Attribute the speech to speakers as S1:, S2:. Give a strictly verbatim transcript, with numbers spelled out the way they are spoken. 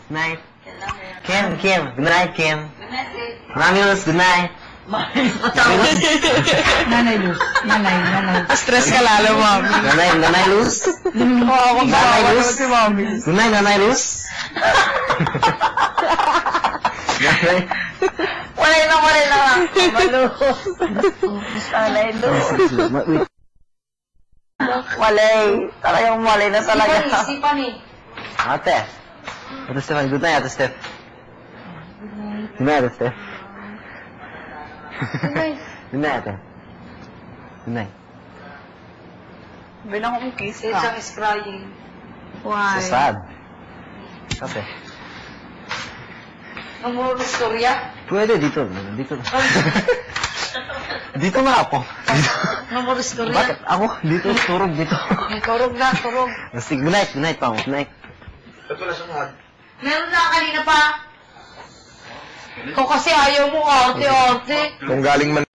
S1: Good night. Kim, Kim. Good night, Kim.
S2: Good night, eh.
S1: Mami Luz, good night.
S3: Nanay Luz. Nanay, nanay.
S4: Stress ka lalo, Mami.
S1: Nanay, Nanay Luz.
S4: Oo, kung
S1: Nanay
S4: kawawa
S1: Luz.
S4: naman si Mami.
S1: Good night, Nanay Luz. Nanay.
S2: Walay na, walay na. Malus. Walay, Luz. Walay. Talagang walay na talaga. Isipan eh.
S1: Ate. Ate Steph, good night, Ate Steph. Good night, Ate Steph. Good night, Ate. Good night.
S4: Bilang akong kiss
S2: Si
S4: ka.
S2: Chang is crying.
S3: Why?
S1: So sad. Ate.
S2: Namuro storya.
S1: Pwede dito. Dito na. Dito na ako.
S2: Namuro storya.
S1: Bakit? Ako? Dito. Turog dito.
S2: Turog na, turog.
S1: Basta, good night. Good night, Pao. Good night.
S2: Meron na kanina pa. Ikaw kasi ayaw mo arte, arte.
S5: Kung galing man